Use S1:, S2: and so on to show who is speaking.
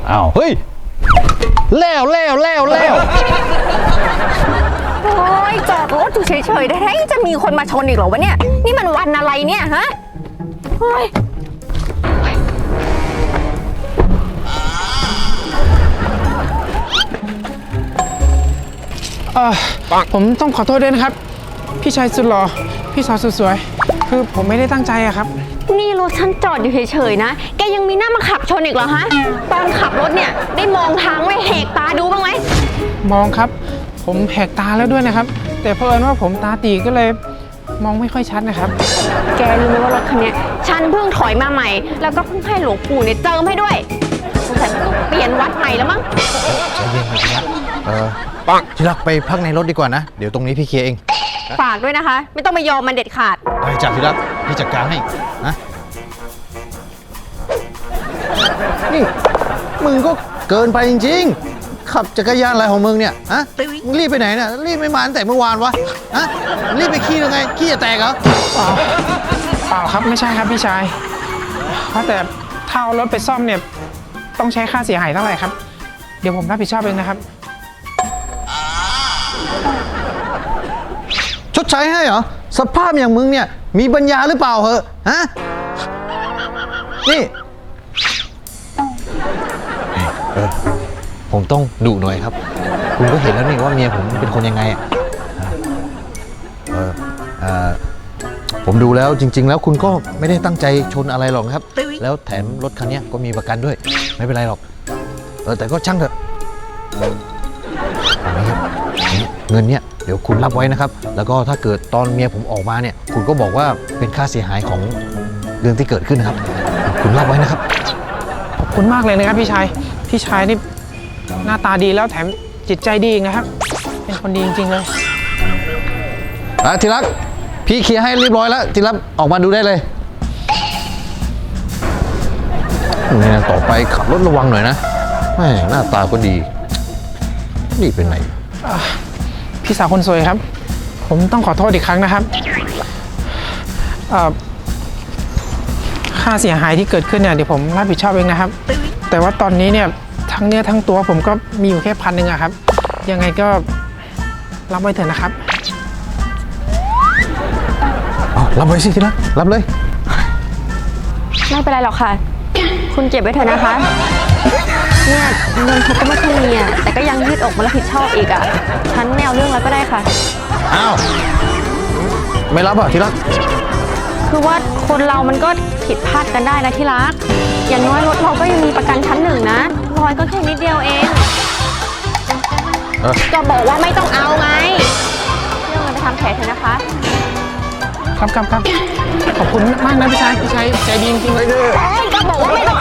S1: อ้าวเฮ้ยแล้ว
S2: โอ้ยจอดรถอยู่เฉยๆได้จะมีคนมาชนอีกเหรอวะเนี่ยนี่มันวันอะไรเนี่ยฮะเฮ้ย
S3: ผมต้องขอโทษด้วยนะครับพี่ชายสุดหล่อพี่สาวสุดสวยคือผมไม่ได้ตั้งใจอะครับ
S2: นี่รถฉันจอดอยู่เฉยๆนะแกยังมีหน้ามาขับชนอีกเหรอฮะตอนขับรถเนี่ยได้มองทางไหมแหกตาดูบ้างไหม
S3: มองครับผมแหกตาแล้วด้วยนะครับแต่เผอิญว่าผมตาตีก็เลยมองไม่ค่อยชัดนะครับ
S2: แกรู้ไหมว่ารถคันนี้ฉันเพิ่งถอยมาใหม่แล้วก็เพิ่งให้หลวงปู่เนี่ยเจิมให้ด้วยสงสัยต้องเปลี่ยนวัดใหม่แล้วมั้ง
S1: ใจเย็นครับที่รักไปพักในรถดีกว่านะเดี๋ยวตรงนี้พี่เคลียร์เอง
S2: ฝากด้วยนะคะไม่ต้องมายอมมันเด็ดขาด
S1: ได้จ้ะที่รักพี่จัดการให้นะนี่มึงก็เกินไปจริงๆขับจักรยานอะไรของมึงเนี่ยฮะมึงรีบไปไหนเนี่ยรีบไม่มาตั้งแต่เมื่อวานวะฮะรีบไปขี้ยังไงขี้จะแตกเหรอ
S3: เปล่าครับไม่ใช่ครับพี่ชายเพราะแต่ถ้าเอารถไปซ่อมเนี่ยต้องใช้ค่าเสียหายเท่าไหร่ครับเดี๋ยวผมรับผิดชอบเองนะครับ
S1: ชดใช้ให้เหรอสภาพอย่างมึงเนี่ยมีปัญญาหรือเปล่าเหรอฮะนี่ผมต้องดุหน่อยครับคุณก็เห็นแล้วนี่ว่าเมียผมเป็นคนยังไงผมดูแล้วจริงๆแล้วคุณก็ไม่ได้ตั้งใจชนอะไรหรอกครับแล้วแถมรถคันนี้ก็มีประกันด้วยไม่เป็นไรหรอกแต่ก็ช่างเถอะเอาไหมครับเงินเนี่ยเดี๋ยวคุณรับไว้นะครับแล้วก็ถ้าเกิดตอนเมียผมออกมาเนี่ยคุณก็บอกว่าเป็นค่าเสียหายของเรื่องที่เกิดขึ้นนะครับคุณรับไว้นะครับ
S3: ขอบคุณมากเลยนะครับพี่ชายนี่หน้าตาดีแล้วแถมจิตใจดีนะครับเป็นคนดีจริงๆเลย
S1: ทีรักพี่เคลียร์ให้เรียบร้อยแล้วทีรักออกมาดูได้เลยนี่นะต่อไปขับรถระวังหน่อยนะหน้าตาก็ดีนี่เป็นไหน
S3: พี่สาวคนสวยครับผมต้องขอโทษอีกครั้งนะครับค่าเสียหายที่เกิดขึ้นเนี่ยเดี๋ยวผมรับผิดชอบเองนะครับแต่ว่าตอนนี้เนี่ยทั้งเนื้อทั้งตัวผมก็มีอยู่แค่1,000อะครับยังไงก็รับไว้เถอะนะครับ
S1: รับไว้สิทีละรับเลย
S2: ไม่เป็นไรหรอกค่ะคุณเก็บไว้เถอะนะคะเนี่ยเงินเขาก็ไม่ค่อยมีแต่ก็ยังยืดอกมารับผิดชอบอีกฉันไม่เอาเรื่องแล้วก็ได้ค่ะ
S1: อ้าวไม่รับทีรัก
S2: คือว่าคนเรามันก็ผิดพลาดกันได้นะที่รักอย่างน้อยรถเราก็ยังมีประกันชั้น1นะรอยก็แค่นิดเดียวเองก็บอกว่าไม่ต้องเอาไงเรื่องเงินไปทำแผลเถอะนะคะ
S3: ครับขอบคุณมากนะพี่ชายใจดีจริงๆเลย
S2: ก็บอกว่าไม่ต้อง